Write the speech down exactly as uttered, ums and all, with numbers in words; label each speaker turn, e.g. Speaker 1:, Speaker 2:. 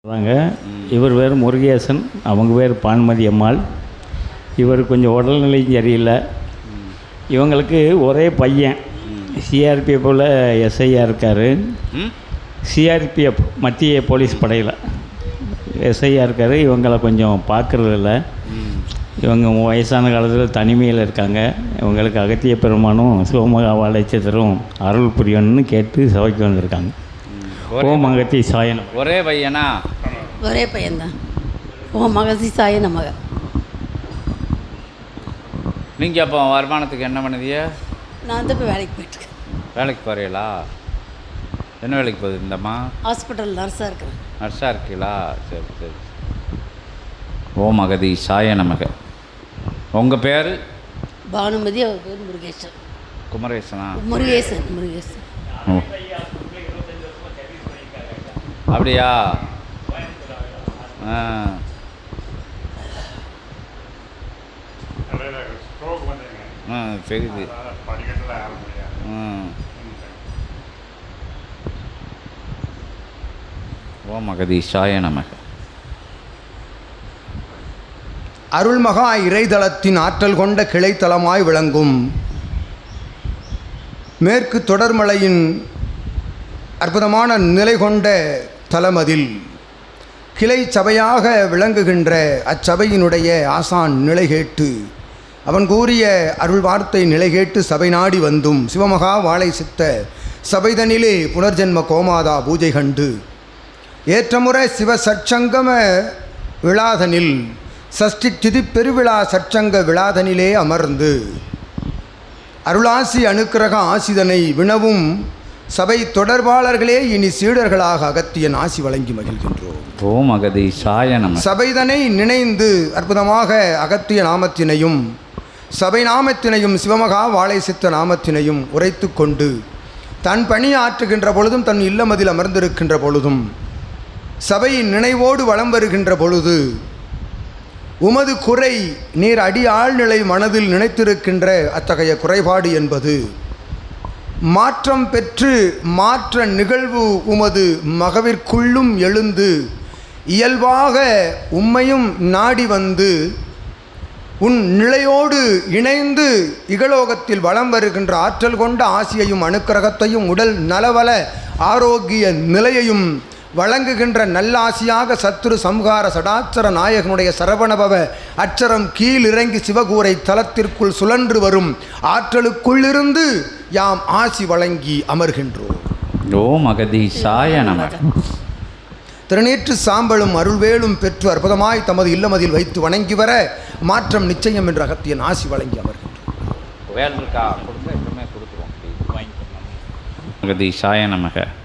Speaker 1: சொல்கிறாங்க. இவர் பேர் முருகேசன், அவங்க பேர் பான்மதி அம்மாள். இவர் கொஞ்சம் உடல்நிலையும் சரியில்லை. இவங்களுக்கு ஒரே பையன் சிஆர்பிஎஃப்பில் எஸ்ஐயாக இருக்கார். சிஆர்பிஎஃப் மத்திய போலீஸ் படையில் எஸ்ஐயாக இருக்கார். இவங்களை கொஞ்சம் பார்க்குறதில்ல. இவங்க வயசான காலத்தில் தனிமையில் இருக்காங்க. இவங்களுக்கு அகத்திய பெருமானும் சிவமகா வாழைச்சத்திரம் அருள் புரியணும்னு கேட்டு சபைக்கு வந்திருக்காங்க. ஓம் அகத்தி சாயனம்.
Speaker 2: ஒரே பையனா?
Speaker 3: ஒரே பையன்தான். ஓம் அகத்தி சாய நமக.
Speaker 2: நீங்கள் அப்போ வருமானத்துக்கு என்ன பண்ணுதிய?
Speaker 3: நான் வந்து இப்போ வேலைக்கு போயிட்டுருக்கேன்.
Speaker 2: வேலைக்கு போகிறீங்களா? என்ன வேலைக்கு போகுது இந்தம்மா?
Speaker 3: ஹாஸ்பிட்டல் நர்ஸாக இருக்கிறேன்.
Speaker 2: நர்ஸாக இருக்கீங்களா? சரி சரி. ஓம் அகதி சாய நமக. உங்கள் பேர்?
Speaker 3: பானுமதி. அவர் பேர் முருகேசன்.
Speaker 2: குமரேசனா?
Speaker 3: முருகேசன் முருகேசன்.
Speaker 2: ஓ அப்படியா? ஆ ஆ தெரியுது. ம் ஓம் அகதீஷாய நமக.
Speaker 4: அருள்மகா இறைதளத்தின் ஆற்றல் கொண்ட கிளைத்தலமாய் விளங்கும் மேற்கு தொடர்மலையின் அற்புதமான நிலை கொண்ட தலமதில் கிளை சபையாக விளங்குகின்ற அச்சபையினுடைய ஆசான் நிலை கேட்டு அவன் கூறிய அருள் வார்த்தை நிலை கேட்டு சபை நாடி வந்தும் சிவமகா வாழை சித்த சபைதனிலே புனர்ஜென்ம கோமாதா பூஜை கண்டு ஏற்றமுறை சிவ சற்சங்கம விழாதனில் சஷ்டி திதி பெருவிழா சற்சங்க விழாதனிலே அமர்ந்து அருளாசி அனுக்கிரக ஆசிதனை வினவும் சபை தொடர்பாளர்களே இனி சீடர்களாக அகத்தியன் ஆசி வழங்கி மகிழ்கின்றோம்.
Speaker 2: ஓம் அகதீஷாய நமக.
Speaker 4: சபைதனை நினைந்து அற்புதமாக அகத்திய நாமத்தினையும் சபை நாமத்தினையும் சிவமகா வாழை சித்த நாமத்தினையும் உரைத்து கொண்டு தன் பணி ஆற்றுகின்ற பொழுதும் தன் இல்லமதில் அமர்ந்திருக்கின்ற பொழுதும் சபையின் நினைவோடு வலம் வருகின்ற பொழுது உமது குறை நீர் அடி ஆழ்நிலை மனதில் நினைத்திருக்கின்ற அத்தகைய குறைபாடு என்பது மாற்றம் பெற்று மாற்ற நிகழ்வு உமது மகவிற்குள்ளும் எழுந்து இயல்பாக உம்மையும் நாடி வந்து உன் நிலையோடு இணைந்து இகலோகத்தில் வலம் வருகின்ற ஆற்றல் கொண்ட ஆசியையும் அனுக்கிரகத்தையும் உடல் நலவல ஆரோக்கிய நிலையையும் வழங்குகின்ற நல்லாசியாக சத்ரு சம்ஹார சடாச்சர நாயகனுடைய சரவணபவ அச்சரம் கீழ் இறங்கி சிவகூரை தலத்திற்குள் சுழன்று வரும் ஆற்றலுக்குள்ளிருந்து யாம் ஆசி வழங்கி அமர்கின்றோம்.
Speaker 2: ஓம் அகதீஷாய நமக.
Speaker 4: திருநீற்று சாம்பலும் அருள்வேலும் பெற்று அற்புதமாய் தமது இல்லமதில் வைத்து வணங்கி வர மாற்றம் நிச்சயம் என்ற அகத்தியன் ஆசி வழங்கி அமர்கின்றோம்.
Speaker 2: வேல் இருக்கா? கொடுங்க, எப்பவுமே கொடுத்துருவோம். அகதீஷாய நமக.